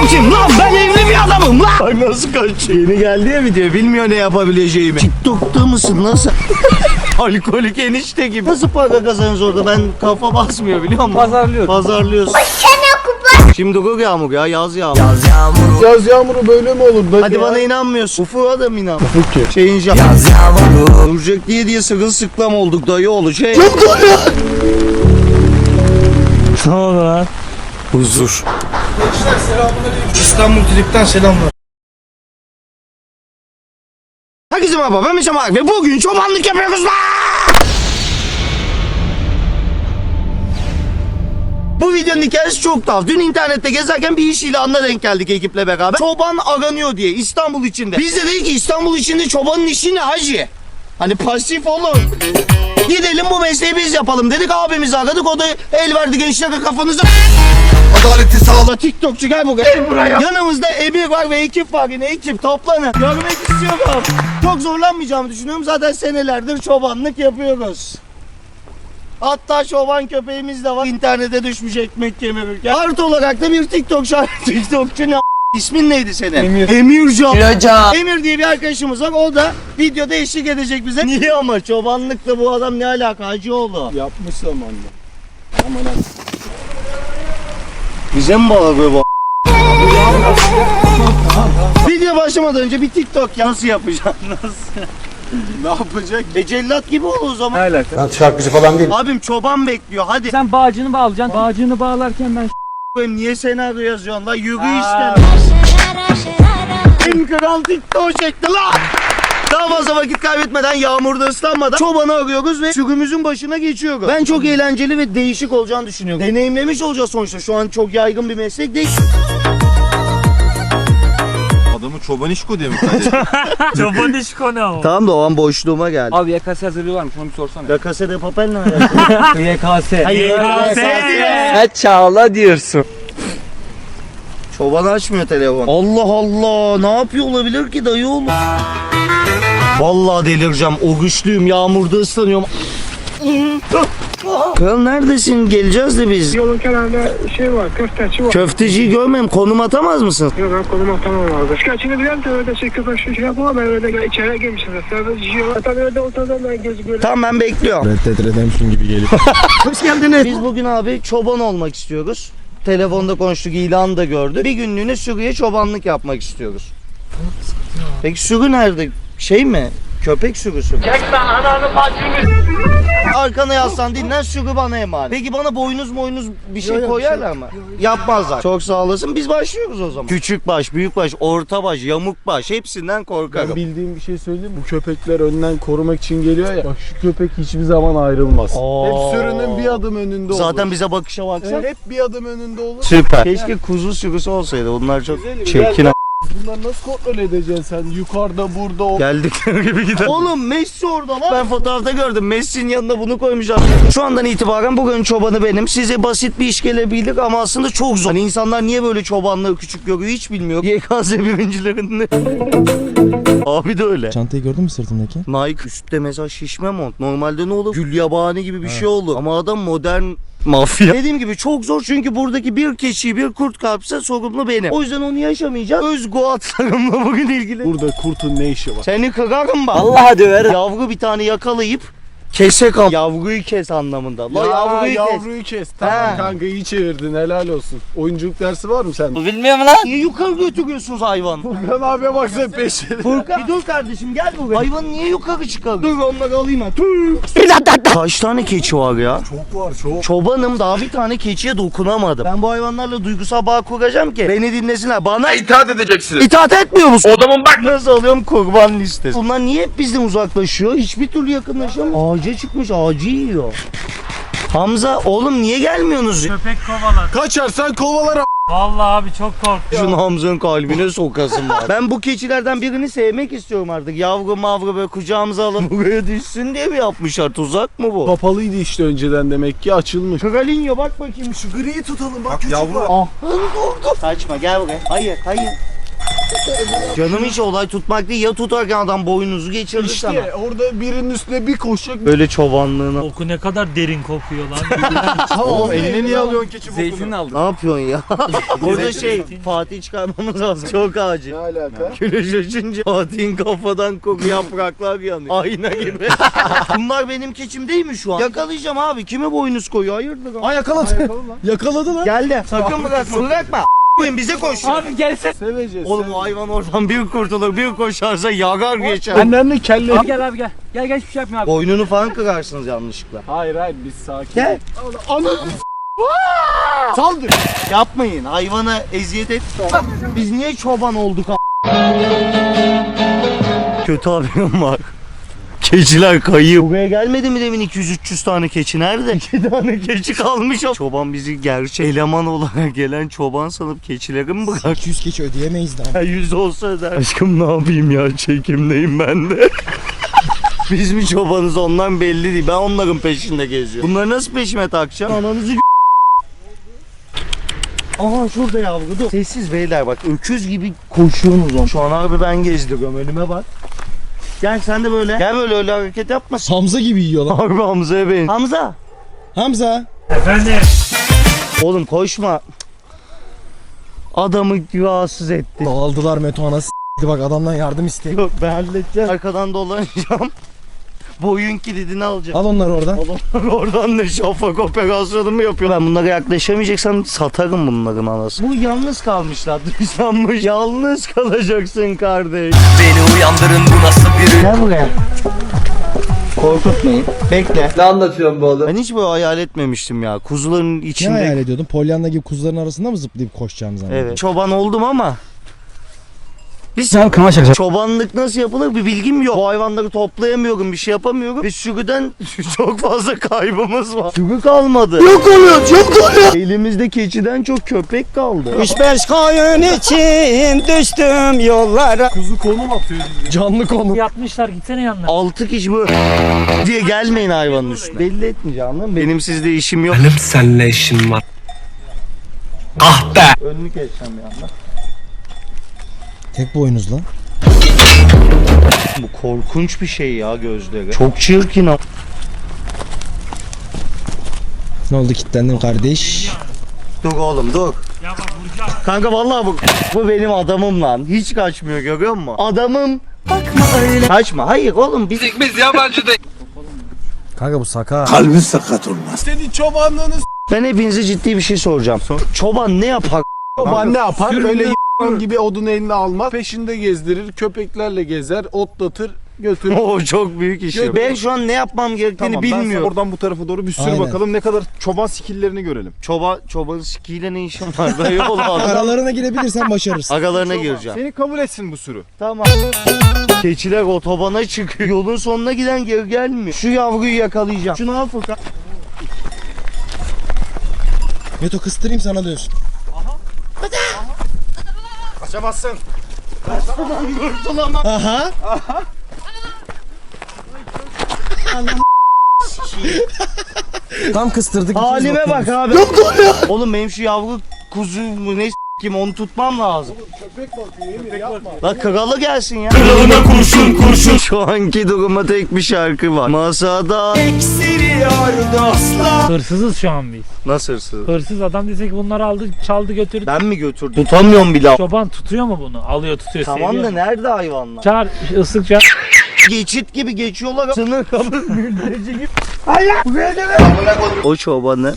kim lan? Ben evli bir adamım lan. Ay nasıl kaçıyor? Yeni geldi ya video, bilmiyor ne yapabileceğimi. TikTok'ta mısın nasıl? Alkolik enişte gibi. Nasıl para kazanıyorsun orada? Ben kafa basmıyor biliyor musun? Pazarlıyorsun. Şimdi dur Yağmur ya, yaz Yağmur. Yaz yağmuru böyle mi olur? Hadi ya. Bana inanmıyorsun. Ufuk'a da mı inan? Ufuk ki. Şeyin yaz Yağmur. Duracak diye sırılsıklam olduk dayı oğlu şey. Çok doğru ya. Ne oldu lan? Huzur. Gençler selamünaleyküm. İstanbul Trip'ten selamlar. Herkese merhaba, ben Mişam Ak ve bugün çobanlık yapıyoruz lan. Bu videonun hikayesi çok tuhaf. Dün internette gezerken bir iş ilanına denk geldik ekiple beraber. Çoban aranıyor diye İstanbul içinde. Biz de dedik ki İstanbul içinde çobanın işi ne hacı? Hani pasif olur. Gidelim bu mesleği biz yapalım dedik. Abimizi aradık, o da el verdi gençlere kafanıza. Adaleti sağla. TikTokçu gel buraya. Gel buraya. Yanımızda Emir var ve ekip var yine. Ekip toplanın. Görmek istiyorum. Çok zorlanmayacağımı düşünüyorum. Zaten senelerdir çobanlık yapıyoruz. Hatta çoban köpeğimiz de var. İnternete düşmüş ekmek kemirirken. Artı olarak da bir TikTokçu ne İsmin neydi senin? Emir. Emircan. Emir diye bir arkadaşımız var. O da videoda eşlik edecek bize. Niye ama çobanlıkla bu adam ne alaka Hacıoğlu? Yapmış zamanında. Aman ha. Bize mi bağırıyor bu? Video başlamadan önce bir TikTok nasıl yapacaksın? Nasıl? Ne yapacak? Cellat gibi ol o zaman. Ne alaka? Ben şarkıcı falan değil. Abim çoban bekliyor hadi. Sen bağcını bağlayacaksın. Bağcını bağlarken ben Koyayım, niye senaryo yazıyorsun lan? Yürü işte. En kral TikTok çekti lan. Daha fazla vakit kaybetmeden, yağmurda ıslanmadan çobanı arıyoruz ve sürümüzün başına geçiyoruz. Ben çok eğlenceli ve değişik olacağını düşünüyorum. Deneyimlemiş olacağız sonuçta. Şu an çok yaygın bir meslek değil. Adamı çoban işko diye mi kaydettin? çoban iş konu. Tamam da o an boşluğuma geldi. Abi YKS hazırlığı varmış, onu bir sorsana. La Casa de Papel ne alaka? YKS. Ha çağla diyorsun. Çoban açmıyor telefon. Allah Allah, ne yapıyor olabilir ki dayı oğlum? Vallahi delireceğim. O güçlüyüm, yağmurda ıslanıyorum. Kral neredesin? Geleceğiz de biz. Yolun kenarında şey var, köfteci var. Köfteciyi görmeyeyim, konum atamaz mısın? Yok ben konum atamam abi. Şikayetini bilen de öyle şey köpek şey yapamam. Ben öyle içeriye girmişim. Serbest şey var. Tabii öyle oturdan ben gözü böyle. Tamam ben bekliyorum. Red Dead Redemption gibi geliyor. Hoş geldiniz. Biz bugün abi çoban olmak istiyoruz. Telefonda konuştuk, ilanı da gördük. Bir günlüğüne sürüye çobanlık yapmak istiyoruz. Peki sürü nerede? Şey mi? Köpek sürüsü mü? Çekme ananı bacını. Arkana yaslan dinlen, sürü bana emanet. Peki bana boynuz bir şey koyarlar mı? Yapmazlar. Çok sağ olasın. Biz başlıyoruz o zaman. Küçük baş, büyük baş, orta baş, yamuk baş hepsinden korkarım. Ben bildiğim bir şey söyleyeyim mi? Bu köpekler önden korumak için geliyor ya. Bak şu köpek hiçbir zaman ayrılmaz. Hep sürünün bir adım önünde olur. Zaten bize bakışa baksana. Hep bir adım önünde olur. Süper. Keşke kuzu sürüsü olsaydı. Onlar çok Güzelim, çirkin. gel. Bunları nasıl kontrol edeceksin sen? Yukarıda, burada o. Geldikleri gibi gider. Oğlum Messi orada lan. Ben fotoğrafta gördüm. Messi'nin yanında bunu koymuşlar. Şu andan itibaren bugün çobanı benim. Size basit bir iş gelebilir ama aslında çok zor. Hani insanlar niye böyle çobanlığı küçük görüyor hiç bilmiyor. YKS birincilerinde. Abi de öyle. Çantayı gördün mü sırtımdaki? Nike üstte mesela şişme mont. Normalde ne olur? Gülyabani gibi bir şey olur. Ama adam modern mafya. Dediğim gibi çok zor çünkü buradaki bir keçi bir kurt kapsa sorumlu benim. O yüzden onu yaşamayacağım. Özgü atlarımla bugün ilgili. Burada kurtun ne işi var? Seni kırarım bak. Allah döverim. Yavru bir tane yakalayıp kesek al. Yavruyu kes anlamında. La yavruyu kes. Tamam He. kanka iyi çevirdin helal olsun. Oyunculuk dersi var mı sende? Bilmiyorum lan. Niye yukarı götürüyorsunuz hayvan? Furkan abiye baksana peşine. Furkan bir dur kardeşim gel buraya. Hayvanı niye yukarı çıkar? Dur onları alayım ben. Kaç tane keçi var ya? Çok var çok. Çobanım daha bir tane keçiye dokunamadım. Ben bu hayvanlarla duygusal bağ kuracağım ki beni dinlesinler. Bana itaat edeceksiniz. İtaat etmiyor musun? Odamın bak. Nasıl alıyorum kurban listesi. Bunlar niye hep bizden uzaklaşıyor? Hiçbir türlü yakınlaşamıyor. Ağaca çıkmış ağacı yiyor. Hamza oğlum niye gelmiyorsunuz? Köpek kovalar. Kaçarsan kovalar a**. Vallahi abi çok korktum. Şunu Hamza'nın kalbine sokasın var. Ben bu keçilerden birini sevmek istiyorum artık. Yavru mavru böyle kucağımıza alıp buraya düşsün diye mi yapmışlar? Tuzak mı bu? Kapalıydı işte önceden demek ki açılmış. Kralinyo bak bakayım şu griyi tutalım bak. Bak yavru. Ah. Dur. Kaçma gel buraya. Hayır. Canım hiç olay tutmak değil. Ya tutarken adam boynunuzu geçirdi sana. İşte orada birinin üstüne bir koşacak. Böyle çobanlığına. Koku ne kadar derin kokuyor lan. Oğlum eline niye alıyorsun keçi bokunu? aldım. Ne yapıyorsun ya? Orada Fatih çıkarmamız lazım. Çok acil. Ne alaka? Güneş açınca Fatih'in kafadan koku yapraklar yanıyor. Ayna gibi. Bunlar benim keçim değil mi şu an? Yakalayacağım abi. Kime boynuz koyuyor? Hayırdır? Aa yakaladı. Yakaladı lan. Geldi. Sakın bırakma. Bırakma. Koyun bize koş. Abi gelsene. Seveceğiz. Oğlum o hayvan oradan bir kurtulur, bir koşarsa yagar geçer. Annemle kelle. Abi gel abi gel. Gel gel hiçbir şey yapma abi. Boynunu falan kırarsınız yanlışlıkla. Hayır biz sakin. Gel. Anam. Saldır. Yapmayın. Hayvana eziyet et. Biz niye çoban olduk Kötü haberim var. Keçiler kayıyor. Buraya gelmedi mi demin 200-300 tane keçi nerede? 2 tane keçi kalmış. Çoban bizi gerçek eleman olarak gelen çoban sanıp keçileri mi bırak? 200 keçi ödeyemeyiz daha. 100 olsa öder. Aşkım ne yapayım ya, çekimdeyim ben de. Biz mi çobanız ondan belli değil. Ben onların peşinde geziyorum. Bunları nasıl peşime takacağım? Ananızı Aha şurada yavru dur. Sessiz beyler bak, öküz gibi koşuyorsunuz. Şu an abi ben gezdiriyorum, önüme bak. Gel sen de böyle. Gel böyle, öyle hareket yapma. Hamza gibi yiyor lan. Harbi Hamza'ya beyin. Hamza. Hamza. Efendim. Oğlum koşma. Adamı rahatsız etti. Dağıldılar Meto anası s**ti, bak adamdan yardım isteyin. Yok ben halledeceğim. Arkadan dolanacağım. Boyun kilidini alacağım. Al onları oradan. Oradan ne şafak operasyonu mu yapıyor? Ben bunlara yaklaşamayacaksam satarım bunların anası. Bu yalnız kalmışlar. Dışlanmış. Yalnız kalacaksın kardeş. Beni uyandırın, bu nasıl bir Gel buraya. Korkutmayın. Bekle. Ne anlatıyorsun bu oğlum? Ben hiç böyle hayal etmemiştim ya. Kuzuların Ne içinde. hayal ediyordun? Pollyanna gibi kuzuların arasında mı zıplayıp koşacağım zannediyordun? Evet. Çoban oldum ama. Biz çobanlık nasıl yapılır bir bilgim yok. Bu hayvanları toplayamıyorum, bir şey yapamıyorum. Ve sürüden çok fazla kaybımız var. Sürü kalmadı. Yok oluyor. Elimizde keçiden çok köpek kaldı. 3-5 koyun için düştüm yollara. Kuzu konum atıyor. Canlı konu. Yatmışlar gitsene yanına. 6 kişi böyle diye gelmeyin hayvanın üstüne. Belli etmeyeceğim, anladın mı? Benim sizde işim yok. Benim seninle işim var. Ah be! Önünü keseceğim bir anda. Tek boynuz lan. Bu korkunç bir şey ya, gözleri. Çok çirkin o. Ne oldu, kilitlendin kardeş? Dur oğlum dur. Ya bak vuracağım. Kanka vallahi bu benim adamım lan. Hiç kaçmıyor, görüyor musun? Adamım. Bakma öyle. Kaçma. Hayır oğlum biz yabancı değil. Kanka bu saka. Senin çobanlığını ben hepinize ciddi bir şey soracağım. Çoban ne yapar? çoban ne yapar? Böyle y***an gibi odun eline almaz. Peşinde gezdirir. Köpeklerle gezer. Otlatır. Götürür. O çok büyük iş. Ben şu an ne yapmam gerektiğini Ben bilmiyorum. oradan bu tarafa doğru bir sür Aynen. bakalım ne kadar çoban skill'lerini görelim. Çobanın sikiyle ne işin var? Ben yok oğlum adam. Aralarına girebilirsen başarırsın. Agalarına gireceğim. Seni kabul etsin bu sürü. Tamam. Keçiler otobana çıkıyor. Yolun sonuna giden geri gelmiyor. Şu yavruyu yakalayacağım. Şunu al Furkan. Meto kıstırayım sana diyorsun. Kaçamazsın. Kurtulamam. Aha. Tam kıstırdık. Halime bak abi. Oğlum benim şu yavru kuzu mu ne kim onu tutmam lazım. Köpek bakıyor Emir yapma. La kralı gelsin ya. Kralına kurşun. Şu anki duruma tek bir şarkı var. Masada. Hırsızız şu an biz. Nasıl hırsız? Hırsız adam desek bunları aldı çaldı götürdü. Ben mi götürdüm? Tutamıyorum bile. Çoban tutuyor mu bunu? Alıyor tutuyor. Tamam seviyor da mu? nerede hayvanlar? Çağır ıslık çağır. Geçit gibi geçiyorlar. Sınır kapı mülteci gibi. Buraya gel. O çobanı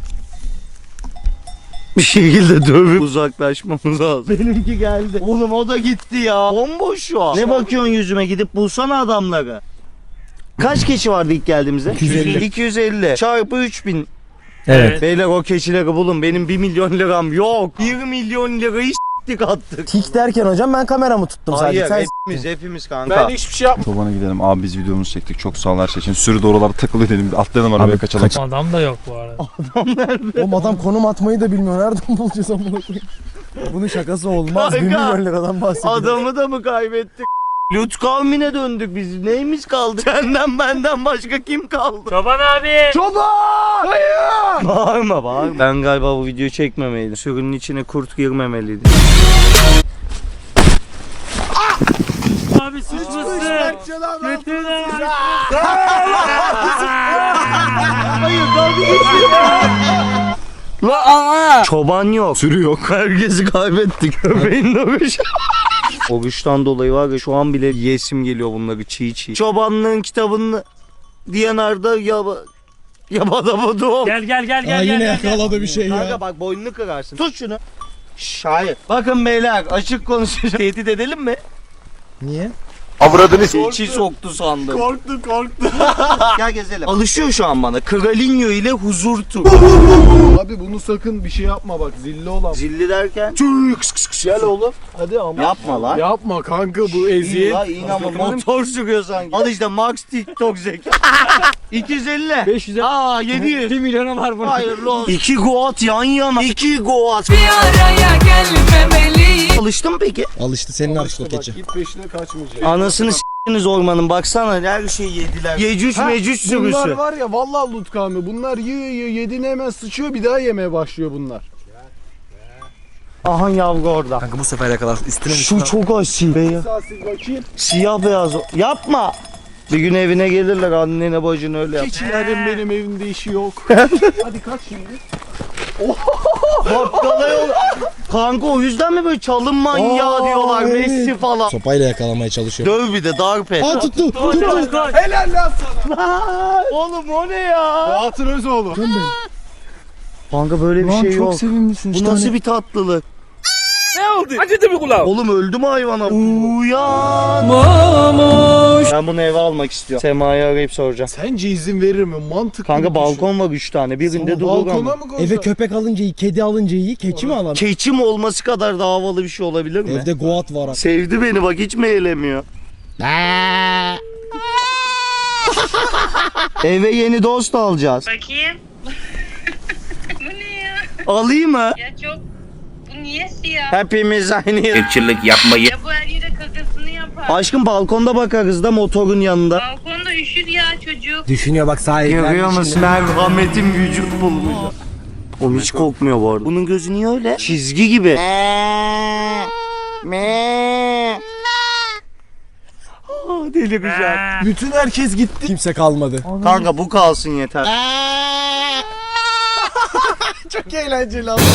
bir şekilde dövüp uzaklaşmamız lazım. Benimki geldi. Oğlum o da gitti ya. Bomboş şu an. Ne bakıyorsun yüzüme, gidip bulsana adamları. Kaç keçi vardı ilk geldiğimizde? 250. 250 çarpı 3000. Evet. Beyler o keçileri bulun. Benim 1 milyon liram yok. 1 milyon lirayı s**tik attık. Tik derken hocam ben kameramı tuttum sadece. Hayır Sen hepimiz kanka. Ben hiçbir şey yapmadım. Çobana gidelim. Abi biz videomuzu çektik. Çok sağ ol her şey için. Sürü de oralarda takılıyor dedim. Atlayalım arabaya kaçalım. Adam da yok bu arada. Oğlum adam konum atmayı da bilmiyor. Nereden bulacağız amına koyayım? Bunun şakası olmaz. 1 Kanka, milyon liradan bahsediyor. Adamı da mı kaybettik? Lut kavmine döndük biz. Neyimiz kaldı? Senden benden başka kim kaldı? Çoban abi. Çoban! Hayır! Bağırma. Ben galiba bu videoyu çekmemeliydim. Sürünün içine kurt girmemeliydi. Abi suçlusun. Götürün abi. Hayır çoban yok. Sürü yok. Herkesi kaybettik. Köpeğin dövüş. O güçten dolayı var ya şu an bile yesim geliyor bunları çiğ çiğ. Çobanlığın kitabını DNR'da yabada doğum. Gel. Yine yakaladı bir şey Kanka ya. bak boynunu kırarsın. Tut şunu. Hayır. Bakın beyler açık konuşacağım. Tehdit edelim mi? Niye? İçi soktu sandım. Korktu. Gel gezelim. Alışıyor şu an bana. Kralinyo ile huzur tur. Abi bunu sakın bir şey yapma bak zilli olan. Zilli derken. Gel oğlum. Hadi ama. Yapma lan. Yapma kanka bu İyi eziyet. la iyi ama motor sürüyor sanki. Al işte Max TikTok zeka. 250. 500'e. Aa 700. 1 milyona var bunun. Hayırlı olsun. 2 Goat yan yana. 2 Goat. Alıştın mı peki? Alıştı senin artık o Bak keçi. git peşine kaçmayacak. Anasını s***niz ormanın baksana her şeyi yediler. Yecüc mecüc Bunlar sürüsü. var ya vallahi Lutkami bunlar yiyor yediğini hemen sıçıyor bir daha yemeye başlıyor bunlar. Aha yavru orada. Kanka bu sefer yakalar. Üstüne Şu çok asil be ya. Sasil bakayım. Siyah beyaz. Yapma. Bir gün evine gelirler annene bacını öyle yap. Keçilerin benim evimde işi yok. Hadi kaç şimdi. Bakkala yol. Kanka o yüzden mi böyle çalım manyağı diyorlar evet. Messi falan. Sopayla yakalamaya çalışıyor. Döv bir de darp et. Aa tuttu. Helal lan sana. Oğlum o ne ya? Fuat'ın Özoğlu. Kanka böyle bir şey yok. sevimlisin. Bu nasıl bir tatlılık? Ne oldu? Acıdı mı kulağım? Oğlum öldü mü hayvana? Uyan. Ben bunu eve almak istiyorum. Sema'yı arayıp soracağım. Sence izin verir mi? Mantıklı. Kanka bir balkon var 3 tane. Birinde düşün. durur Balkona ama. mı koyacaksın? Eve köpek alınca iyi, kedi alınca iyi, keçi mi alalım? Keçim olması kadar da havalı bir şey olabilir mi? Evde goat var. Sevdi beni bak hiç mi eğlemiyor? Eve yeni dost alacağız. Bakayım. Bu ne ya? Alayım mı? Ya çok... Bu niye siyah? Hepimiz aynı yer. Irkçılık yapmayı. Ya bu her yere kakasını yapar. Aşkım balkonda bakarız da motorun yanında. Balkonda üşür ya çocuk. Düşünüyor bak sahipler. Görüyor musun? Merhametin vücut bulmuş. Oğlum hiç kokmuyor bu arada. Bunun gözü niye öyle? Çizgi gibi. Delireceğim. Bütün herkes gitti. Kimse kalmadı. Kanka bu kalsın yeter. Çok eğlenceli ama.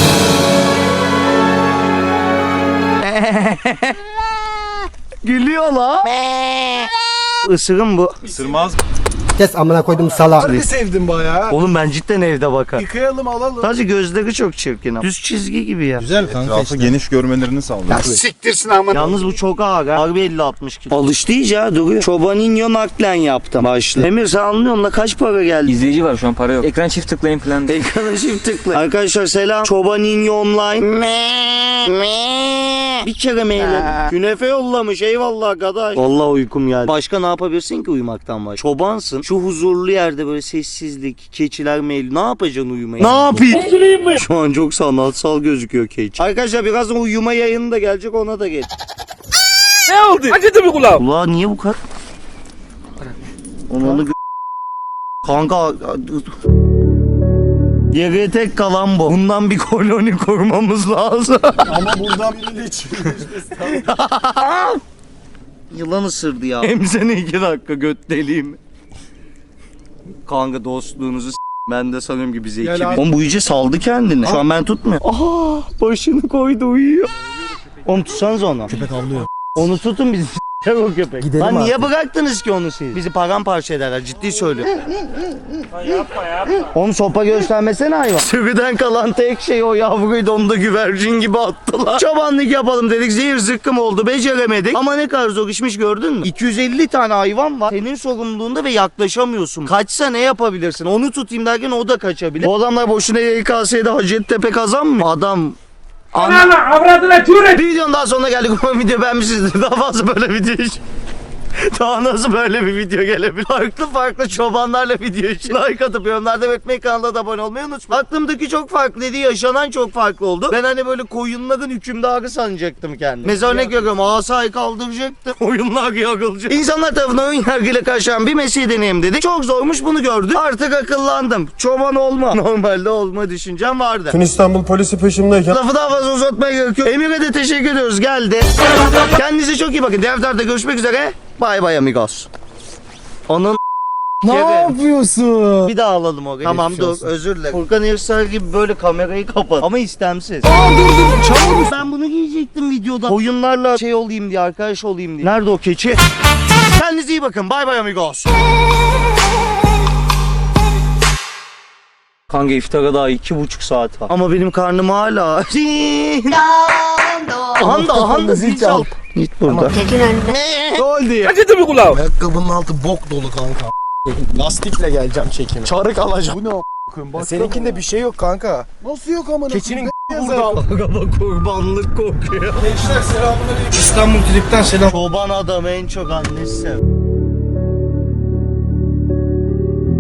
Gülüyor la. Isırım bu. Isırmaz. Kes amına koydum sala. Harbi sevdim bayağı. Oğlum ben cidden evde bakar. Yıkayalım alalım. Sadece gözleri çok çirkin. Düz çizgi gibi ya. Güzel kanka Etrafı geniş görmelerini sağlıyor. Siktirsin ama. Yalnız bu çok ağır ha. Harbi 50-60 kilo. Alıştı iyice ha duruyor. Çobaninho naklen yaptım. Başlı. Emir sen anlıyor musun? Kaç para geldi? İzleyici var şu an para yok. Ekran çift tıklayın falan. Ekrana çift tıkla. Arkadaşlar selam. Çobaninho online. Bir kere mail. Künefe yollamış eyvallah arkadaş. Vallahi uykum geldi. Başka ne yapabilirsin ki uyumaktan başka? Çobansın. Şu huzurlu yerde böyle sessizlik, keçiler mail. Ne yapacaksın uyumayı? Ne yapayım? Şu an çok sanatsal gözüküyor keçi. Arkadaşlar birazdan uyuma yayını da gelecek ona da geç. Ne oldu? Acıdı mı kulağım? Ulan niye bu kadar? Onu kanka geriye tek kalan bu. Bundan bir koloni kurmamız lazım. Ama buradan biriyle çıkmış. Yılan ısırdı ya. Hem seni 2 dakika göt deliyim. Kanka dostluğunuzu ben de sanıyorum ki bize Gel 2000. abi. Oğlum bu iyice saldı kendini. Şu an ben tutmuyorum. Aha başını koydu uyuyor. Oğlum tutsanız onu. Köpek avlıyor. Onu tutun biz o köpek. Gidelim Lan niye artık. bıraktınız ki onu siz? Bizi paramparça ederler ciddi söylüyorum. Yapma. Oğlum sopa göstermesene hayvan. Sürüden kalan tek şey o yavruydu onu da güvercin gibi attılar. Çobanlık yapalım dedik zehir zıkkım oldu beceremedik. Ama ne kadar zor işmiş gördün mü? 250 tane hayvan var senin sorumluluğunda ve yaklaşamıyorsun. Kaçsa ne yapabilirsin? Onu tutayım derken o da kaçabilir. O adamlar boşuna YKS'de Hacettepe kazanmıyor. Adam Ananı avradına türet. bir videonun daha sonuna geldik. Umarım video beğenmişsinizdir. Daha fazla böyle video için Daha nasıl böyle bir video gelebilir? Farklı çobanlarla video için like atıp yorumlarda belirtmeyi, kanala da abone olmayı unutmayın. Aklımdaki çok farklıydı, yaşanan çok farklı oldu. Ben hani böyle koyunların hükümdarı sanacaktım kendimi. Mesela örnek veriyorum, asayı kaldıracaktım. Koyunlar yakılacak. İnsanlar tarafından ön yargıyla karşılanan bir mesleği deneyim dedik. Çok zormuş, bunu gördük. Artık akıllandım. Çoban olma. Normalde olma düşüncem vardı. Tüm İstanbul polisi peşimdeyken Lafı daha fazla uzatmaya gerek yok. Emir'e de teşekkür ediyoruz. Geldi. Kendinize çok iyi bakın. Diğer tarafta görüşmek üzere. Bay bay amigos. Onun Ne yapıyorsun? bir daha alalım orayı. Tamam dur, olsun. özür dilerim. Furkan Yırsak gibi böyle kamerayı kapat. Ama istemsiz. Çabuk. Ben bunu giyecektim videoda. Oyunlarla şey olayım diye, arkadaş olayım diye. Nerede o keçi? Kendinize iyi bakın. Bay bay amigos. Kanka iftara daha 2,5 saat var. Ama benim karnım hala. Ahanda zil çal. Git burada. Gol diye. Acıdı mı kulağım? Ayakkabının altı bok dolu kanka. Lastikle geleceğim çekime. Çarık alacağım. Bu ne bak. Seninkinde bir şey yok kanka. Nasıl yok amına? Keçinin burada. Araba kurbanlık kokuyor. Gençler selamünaleyküm. İstanbul Trip'ten selam. Çoban adam en çok annesi sev.